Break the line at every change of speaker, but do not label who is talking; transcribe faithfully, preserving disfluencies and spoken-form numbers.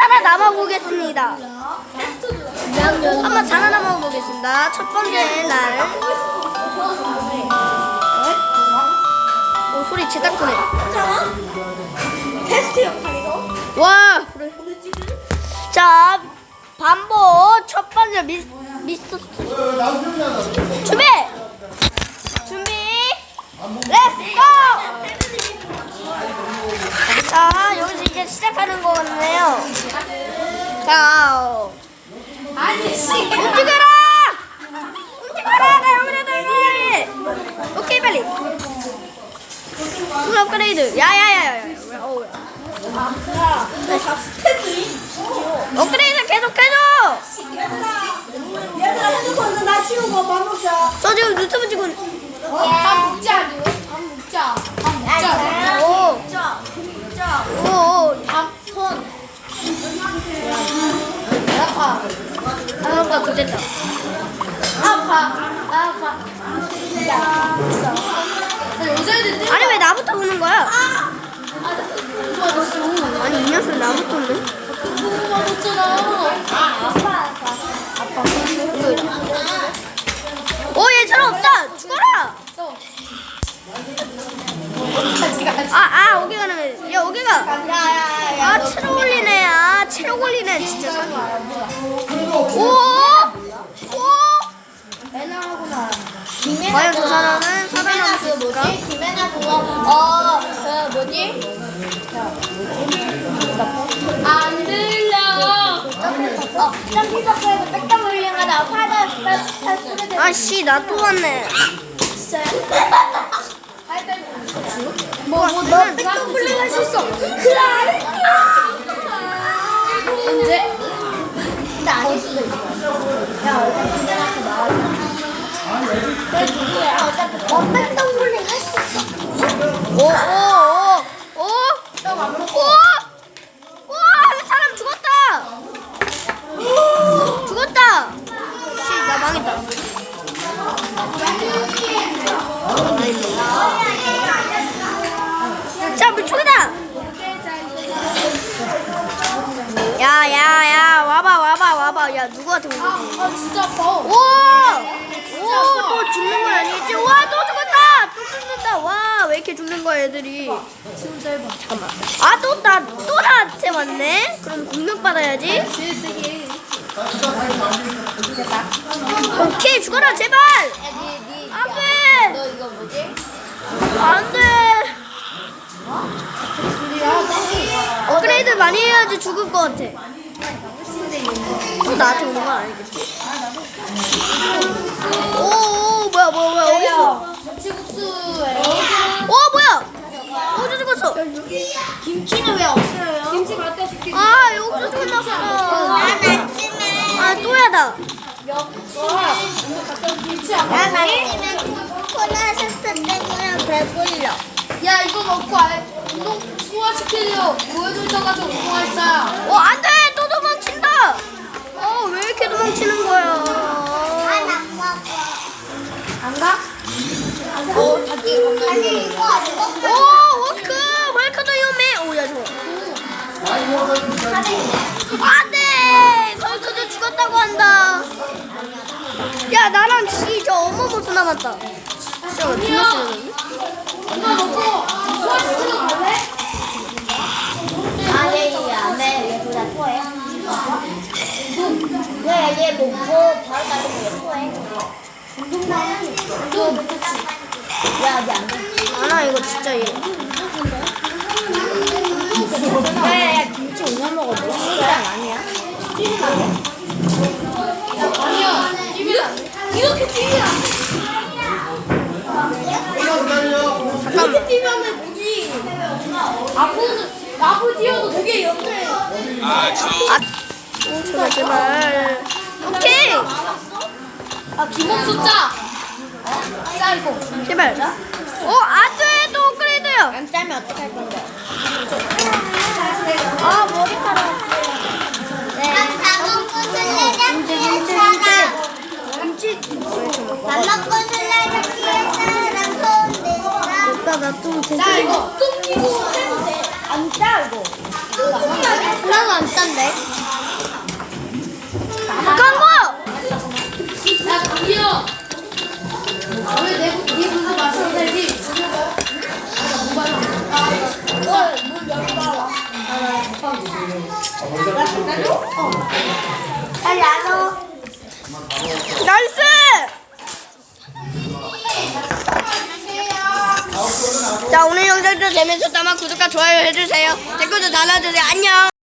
살아남아 보겠습니다. 한번 살아남아 보겠습니다. 첫 번째 날. 오, 소리 제딱 크네.
테스트 역할이고.
와, 그래. 자, 반복 첫 번째 미스 미스터 준비. 준비. 렛츠 고! 자, 여기서 이제 시작하는 거거든요. 자, 움직여라! 움직여라! 나 여기다 여기! 오케이, 빨리. 물 업그레이드. 야야야야. 어우. 업그레이드 계속해줘.
얘들아 핸드폰 나 치우고 밥 먹자.
저 지금 유튜브 찍고. 있-
밥 먹자. 밥 먹자. 밥 먹자.
오, 오, 오.
밥 손. 아파.
아무가 좋겠다.
아파. 아파. 야. 여자애들
아니 왜 나부터 우는 거야? 아니 이 녀석 나부터 우네.
너무 맞았잖아. 아 아파 아파.
오, 얘 저런 없다. 죽어라. 아, 아, 오기 가는. 야, 오기가.
야야야.
아, 체력 올리네. 아, 체력 올리네. 진짜. 오, 오.
애나하구나.
과연 저 사람은 살아남을 수
그
있을까?
뭐지? 김혜나 그거 어그 뭐지? 안 들려. 어 점프석에서 백점 올링하다 팔다 팔 소리
아씨, 나 또 왔네.
뭐, 뭐, 너 백점 올링 할 수 있어. 그래. 언제? 근데 아닐 수도 있어. 야, 얼른 기대한테 나와줘. 그래, 누구야? 어차피 어, 백점 올링 할 수 있어.
오, 오, 오, 오. 오! 오! 사람 죽었다! 죽었다! 씨, 나 망했다. 자, 물총이다! 야, 야, 야, 와봐, 와봐, 와봐. 야, 누구한테 온 거지?
아, 진짜 아파.
오! 오, 또 죽는 건 아니겠지? 와, 또 죽었다! 또 죽는다! 와, 왜 이렇게 죽는 거야, 애들이?
진짜 해봐.
잠깐만. 아, 또 나, 또 나한테 왔네? 그럼 공격받아야지.
제일 세게.
오케이, 죽어라, 제발!
야, 니, 니.
안
야,
돼!
너 이거 뭐지?
안 돼! 업그레이드 많이 해야지 죽을 것 같아. 또 나한테 오는 건 아니겠지? 오, 오, 뭐야, 뭐야, 뭐야, 어딨어?
김치국수에.
오, 뭐야! 어디 죽었어?
김치는 왜 없어요? 김치 갖다 줄게.
아, 여기서 끝났어. 아, 또야, 나.
김치 안
난
먹니?
아침에 코코넛 소스 때문에 배불러.
야, 이거 먹고 알, 운동 소화시키려 보여줄 가서 운동할 거야.
어, 안 돼! 또 도망친다! 어, 왜 이렇게 도망치는 거야?
안 먹어.
안 가?
어, 자기 아니 이거 안 먹어.
오, 워크! 웰컴 더 유메! 오, 야, 좋아. 안 돼! 웰컴도 죽었다고 한다. 야, 나랑 지, 저 어머 모습 남았다. 진짜 왜 뒷모습이니?
이거 먹고 소화시키러 갈래?
아, 얘, 얘, 안 돼. 얘 둘 다 토해. 얘, 얘 먹고 바로 다니고 얘 토해.
너 그치?
야, 얘 안 돼.
아, 나 이거 진짜 얘.
야, 야, 야, 김치 오늘 먹어. 너 식당 아니야?
아니야. 이거 이렇게 뛰면 안 돼. 이렇게 뛰면은 뭐지? 앞으로 앞으로 뛰어도 되게 옆에.
아, 제발, 제발. 오케이!
아, 기본 숫자. 짜 이거.
제발. 어, 안 돼! 또 업그레이드야!
안 짜면 어떡할 건데?
아, 머리카락.
네. 밥 먹고 술래잡기 했잖아.
김치.
밥 먹고 술래잡기 했잖아. 손 대라.
오빠, 나좀
자, 이거 뚱 끼고 해도 돼.
안 짜, 이거.
나도 안 짠데. 광고!
야, 강기영. 왜내 네 물도 마셔도 되지?
빨리 안 와.
나이스! 자, 오늘 영상도 재밌었다면 구독과 좋아요 해주세요. 댓글도 달아주세요. 안녕!